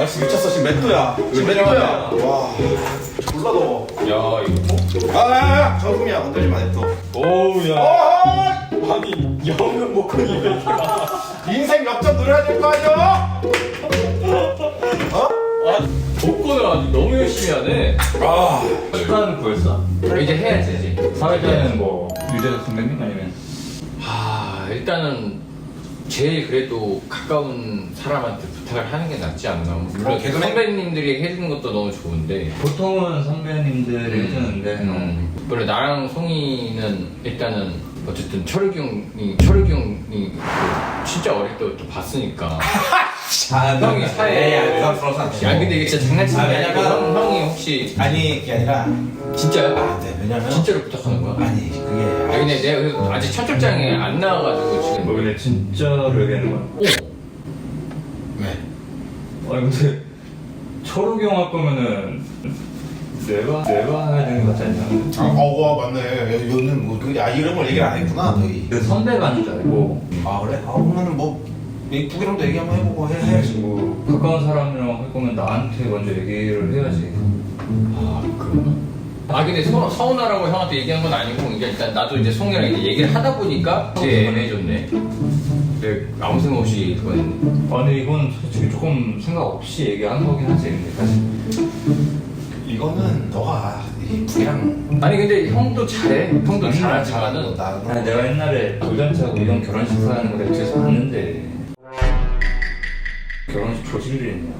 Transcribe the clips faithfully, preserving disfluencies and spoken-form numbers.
날씨 미쳤어. 지금 몇 도야? 지금 몇 도야? 와 졸라 더워. 야 이거 아야야 정품이야. 건들지 마 냅둬. 오우야 어허! 아니 영은 목걸이 왜 이렇게 많아. 인생 역전 노려야 될 거 아니야? 어? 아 복권을 아주 너무 열심히 하네. 아 수단 구했어? 이제 해야지 이제. 사회자는 뭐 유재석 선배님 아니면 아 일단은 제일 그래도 가까운 사람한테 부탁을 하는 게 낫지 않나. 물론 어, 개그맨? 선배님들이 해주는 것도 너무 좋은데. 보통은 선배님들이 해주는데 음. 물론 나랑 송이는 일단은 어쨌든 철욱이 형이 철욱이 형이 그 진짜 어릴 때부터 봤으니까. 아, 형이 사회에 부담스러워서 안 돼. 아니 근데 이게 진짜 장난치는 아, 게 아니고 왜냐면- 형, 형이 혹시 아니 그게 아니라 진짜야? 아, 네, 왜냐면 진짜로 부탁하는 거야? 아니 그게 아니 근데 내가 그래도 아직 첫 출장에 안 나와가지고 지금 뭐 근데 진짜로 얘기하는 거야? 어? 왜? 아니 근데 철욱이 형 할 거면은 내가 내가 해야 되는 거 같지 않냐? 아, 어, 와 맞네. 여기는 뭐 그, 아 이름을 얘기를 안 했구나 너희. 그 선배가 하는 줄 알고 아 그래? 아 그러면은 뭐 북이랑도 얘기 한번 해보고 해, 해야지. 뭐 가까운 사람이랑 할 거면 나한테 먼저 얘기를 해야지. 아 그러나? 아 근데 서, 서운하라고 형한테 얘기한 건 아니고 이제 일단 나도 이제 송이랑 이제 얘기를 하다 보니까 이제 애매해졌네. 근데 아무 생각 없이 그건 했네. 아니 이건 솔직히 조금 생각 없이 얘기한 거긴 하지 근데 사실. 이거는 너가 이 북이랑 아니 근데 형도 잘해. 형도 잘하지만은 나 아니 내가 옛날에 돌잔치하고 이런 결혼식 하는 거 내가 뒤에서 봤는데 결혼식 조질이 있냐.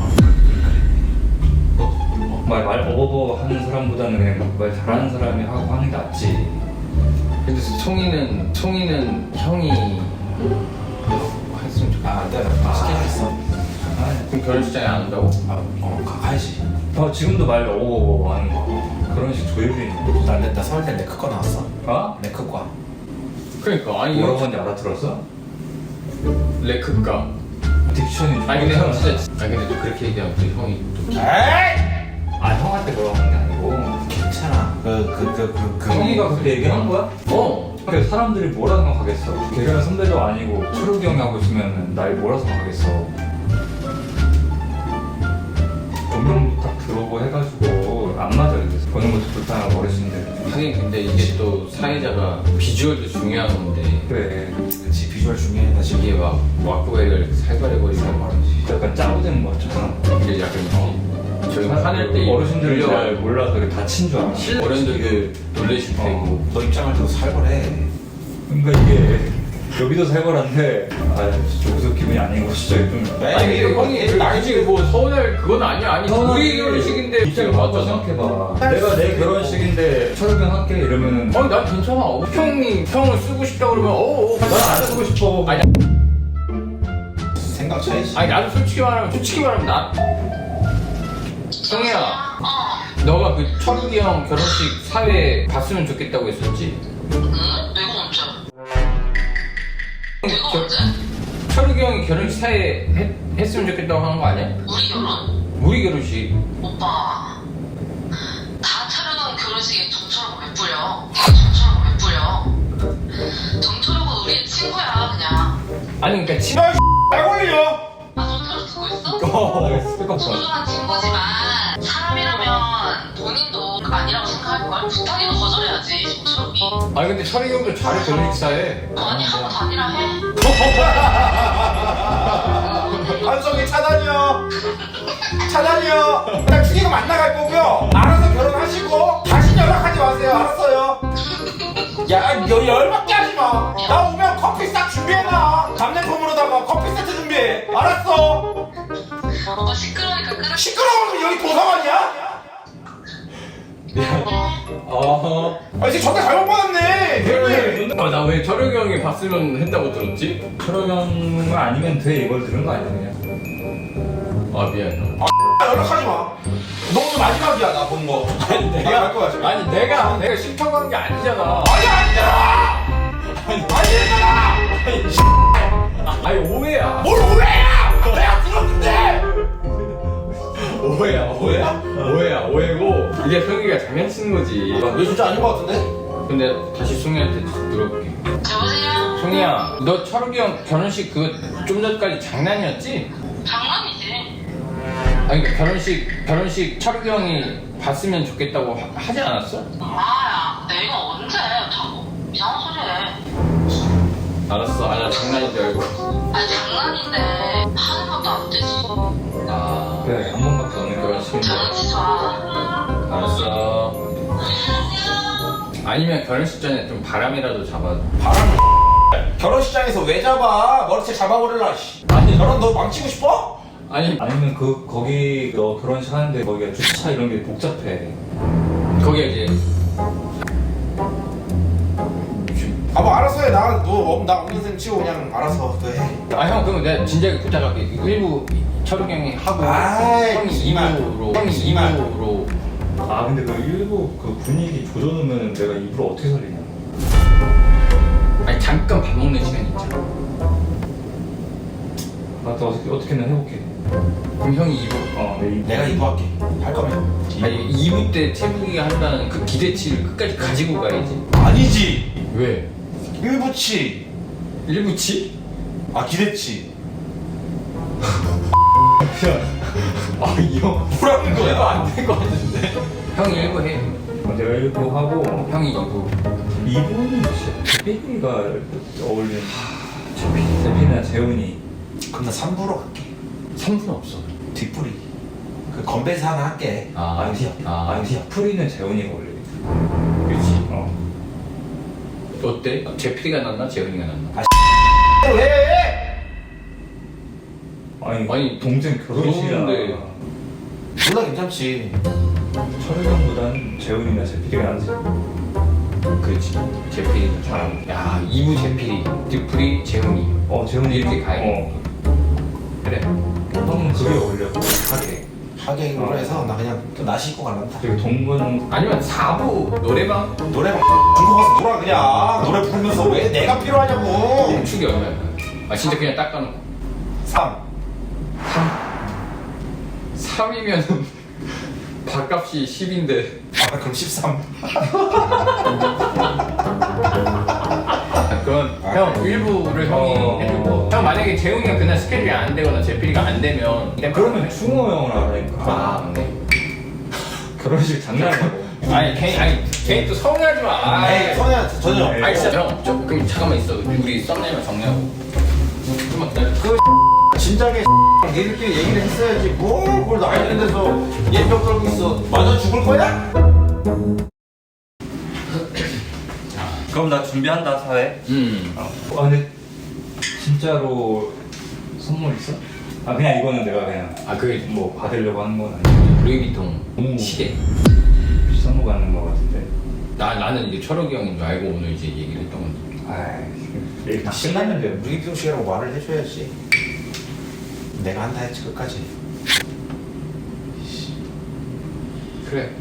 말, 말 어버버 하는 사람보다는 그냥 말 잘하는 사람이 하고 하는 게 낫지. 근데 송이는 송이는 형이 했으면 좋겠다. 아 내가 아, 스케줄 있어. 아, 그럼 결혼식장에 안 온다고? 아, 어 가, 가야지. 어, 지금도 말 어버버 하는 거. 결혼식 조율이 있는데. 나, 나 서울 때 레크과 나왔어. 어? 레크과. 그러니까 아니 뭐라고 하는지 알아들었어? 레크가 딕션이 아니 근데 형 진짜 아니 근데 또 그렇게 얘기하면 또 형이 또 에이! 아 형한테 뭐라고 하는 게 아니고 괜찮아. 그 그 그 그 그. 형이가 그렇게 얘기한 거야? 어 그래 사람들이 뭐라 생각하겠어. 개그맨 선배도 아니고 철욱이 형이 하고 있으면 날 뭐라 생각하겠어. 분명 딱 들어오고 해가지고 안 맞아. 그래서 보는 것도 불편하고 어르신들. 하긴 근데 이게 또 사회자가 비주얼도 중요한 건데 그래 그치 비주얼 중요해 지금. 이게 막 와꾸애를 살벌해버리는 말이지. 약간 짜고된 거 같잖아. 이게 약간 어, 저희 화낼 때 어르신들이 잘 놀려가지고 몰라서 이렇게 다친 줄 알아. 어른들도 놀래실 테고 어, 너 입장을 더 살벌해. 그러니까 이게 여기도 살벌한데 아 진짜 무슨 기분이 아닌 거 진짜 좀. 아니 근데 형이 나이 지금 뭐 서운할 그건 아니야. 아니 우리 결혼식인데 입장을 바꿔 생각해봐. 내가 내 결혼식인데 철욱이 형 할게 이러면은 아니 난 괜찮아. 형이 형을 쓰고 싶다 그러면 어어 난안 쓰고 싶어. 아니 생각 차이지. 아니 나도 솔직히 말하면 솔직히 말하면 나 성희야 어, 너가 그 철욱이 형 결혼식 사회 봤으면 좋겠다고 했었지. 응? 내가 언제? 내가 저- 언제? 철욱이 형이 결혼식 사회 했, 했으면 좋겠다고 하는 거 아니야? 우리 결혼? 우리 결혼식. 오빠, 다 차려놓은 결혼식에 정철하고 왜 뿌려? 다 정철하고 왜 뿌려? 정철하고 우리의 친구야 그냥. 아니 그러니까 친 말 걸려. 아 정철을 듣고 있어? 스피커폰. 소중한 친구지만 사람이라면 본인도 아니라고 생각할걸? 부탁해도 거절해야지 정철이. 아니 근데 철욱이 형도 잘해 결혼식 사회. 아니 하고 다니라 해. 한성이 차단이요. 차단이요. 그냥 죽이고 만나갈 거고요. 알아서 결혼하시고 다시 연락하지 마세요. 알았어요. 야, 여 열받게 하지 마. 나 오면 커피 싹 준비해놔. 감량품으로다가 커피 세트 준비해. 알았어. 오빠 시끄러우니까 끊어. 시끄러우면 여기 도서관이야? 어허. 아, 이제 전화 잘못 받았네. 대표님. 아나 왜 철욱이 형이 봤으면 했다고 들었지? 철욱이 형은 아니면 돼 이걸 들은 거 아니야 그냥. 아 미안. 아, 연락하지 마. 너 오늘 마지막이야, 나 본 거. 내가 할 거야, 지금. 아니 내가 내가 싫다고 한 게 아니잖아. 아니, 아니잖아! 아니잖아! 아니 오해야. 뭘 오해야! 내가 들었는데! 오해야 오해야 오해야 오해고 이게 성희가 장난치는 거지. 왜 진짜 아닌 거 같은데? 근데 다시 송이한테 물어볼게. 여보세요? 송이야 너 철욱이 형 결혼식 그거 좀 전까지 장난이었지? 장난이지. 아니 그러니까 결혼식 결혼식 철욱이 형이 봤으면 좋겠다고 하, 하지 않았어? 아야 내가 언제 자꾸 이상한 소리 해. 알았어. 아, 나 장난인 줄 알고. 아니 장난인데 하는 것도 안 되지. 아, 그래 한 번밖에 없는 결혼식인데 장난치지 마. 알았어. 아니면 결혼식 전에 좀 바람이라도 잡아. 바람 결혼식장에서 왜 잡아? 머리채 잡아버릴라 씨. 아니. 결혼 너 망치고 싶어? 아니 아니면 그 거기 너 결혼식 하는데 거기가 주차 이런 게 복잡해. 거기에 이제 아 뭐 알아서 해. 나 너 나 없는 셈 치고 그냥 알아서 너 해. 아 형 그러면 내가 진작에 부탁할게. 일부 철욱이 형이 하고 아이, 형이 이만. 이부로 형이 형이 이만. 이부로. 아 근데 그 일부 그 분위기 조져놓으면 내가 입으로 어떻게 살리냐. 아니 잠깐 밥 먹는 시간 있잖아. 나도 어떻게 어떻게든 해볼게. 그럼 형이 이부. 어내 입. 내가 이부할게. 할 거면. 아니 이부 때 태국이가 한다는 그 기대치를 끝까지 가지고 가야지. 아니지. 왜? 일부치. 일부치? 아 기대치. 아 이 형 뭐라는 이거 거야? 안 될 것 같은데. 형이 일부 해. 어, 내가 일부 하고 형이 이부. 이부는 진짜 삐삐가 어울리는. 재필이나 재훈이. 그럼 나 삼 부로 갈게. 삼 분 없어. 뒷부리. 그 건배사 하나 할게. 아, 아니야. 아. 아니야. 프리는 재훈이가 어울리겠다. 그렇지. 어. 어때? 제필이가 낫나? 재훈이가 낫나? 왜? 아니, 아니, 동생 결혼식이야. 그런데. 몰라 괜찮지. 철회장보단 재훈이나 재필이가 낫지. 그렇지. 제필이가 좀. 야, 이부 제필이, 뒷풀이 재훈이. 어 재훈이 이렇게 가야 돼. 어. 그래. 형은 그게 어울려. 하게. 하객으로 어. 해서 나 그냥 또 나시 입고 갈란다. 그리고 동건 아니면 사 부 노래방? 노래방 중국 가서 놀아 그냥. 노래 부르면서 왜 내가 필요하냐고. 축이 얼마야? 아, 진짜 그냥 닦아놓고. 삼. 삼이면 밥값이 십인데. 아 그럼 십삼. 그건 아, 형 일부를 형이 어. 해주고 형 만약에 재웅이가 그날 스케줄이 안 되거나 제필이가 안 되면 그냥 그러면 충호 형을 하라니까. 아 맞네. 결혼식 장난이라고. 아니 괜히 아니 괜히 또 서운해하지 마. 에이 아이, 선혜한테 전혀. 아니 진짜 형, 저 그럼 잠깐만 있어. 우리 썸네일만 정리하고. 좀만 기다려. 그 진작에 니들끼리 얘기를 했어야지. 뭘 그걸 나이 드는 데서 예병 떨고 있어. 맞아 죽을 거야? 그럼 나 준비한다 사회. 음. 아 근데 진짜로 선물 있어? 아 그냥 이거는 내가 그냥 아 그게 뭐 받으려고 하는 건 아니고 루이비통 오. 시계. 비싼 거 받는 거 같은데. 나 나는 이제 철욱이 형인 줄 알고 오늘 이제 얘기를 했던 건데. 아이 얘기 다 끝났는데. 루이비통 시계라고 말을 해줘야지. 내가 한다 했지 끝까지. 그래.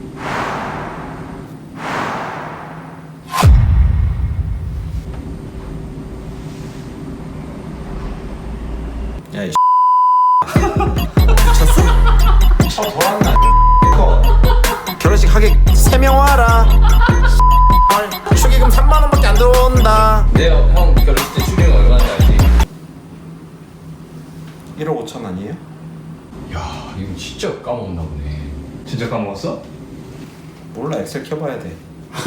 야이 미쳤어? 쳐 돌았나 이거. 결혼식 하객 세 명 와라. 축의금 삼만 원밖에 안 들어온다. 내가 형 결혼식 때 수령이 얼마인지 알지? 일억 오천 아니에요? 야 이거 진짜 까먹었나 보네. 진짜 까먹었어? 몰라 엑셀 켜봐야 돼.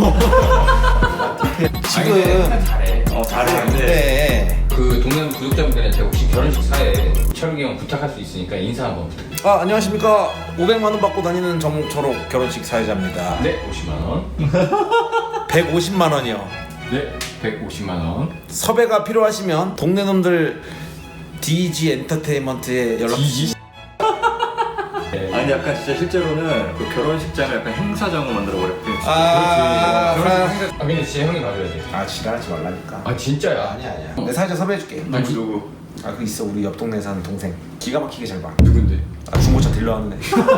아니, 근데 지금 잘해. 어 잘해. 그래. 그 동네 구독자분들한테 혹시 결혼식 사에 철욱이 형 부탁할 수 있으니까 인사 한번 부탁해. 아 안녕하십니까. 오백만 원 받고 다니는 정철옥 결혼식 사회자입니다. 네, 오십만 원. 백오십만 원이요. 네, 백오십만 원. 섭외가 필요하시면 동네 놈들 디지 엔터테인먼트에 연락 주시. 네. 아니 약간 진짜 실제로는 그 결혼식장을 약간 행사장으로 만들어버렸대. 아, 결혼식 생각. 아 근데 진짜 형이 가져야 돼. 아 지랄하지 말라니까. 아 진짜야. 아니야 아니야. 내 사회자 섭외해줄게. 누구 누구? 아 그 있어 우리 옆 동네 사는 동생. 기가 막히게 잘 봐. 누군데? 아 중고차 딜러 하는 애.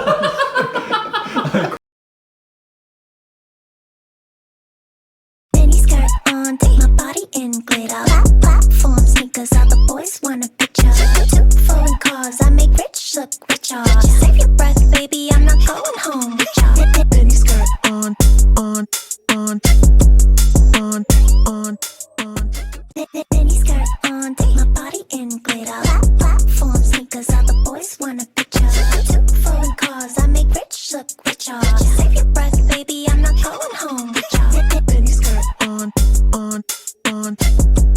Mini skirt on, take my body in glitter. Plat- Platform sneakers, all the boys wanna picture. Two foreign cars, I make rich look richer. Save your breath, baby, I'm not going home with ya. Mini skirt on, on, on, on, on, on. Mini skirt on, take my body in glitter. Plat- Platform sneakers, all the boys wanna picture. Two ya. Save your breath, baby, I'm not going home with ya. Mini skirt on, on, on.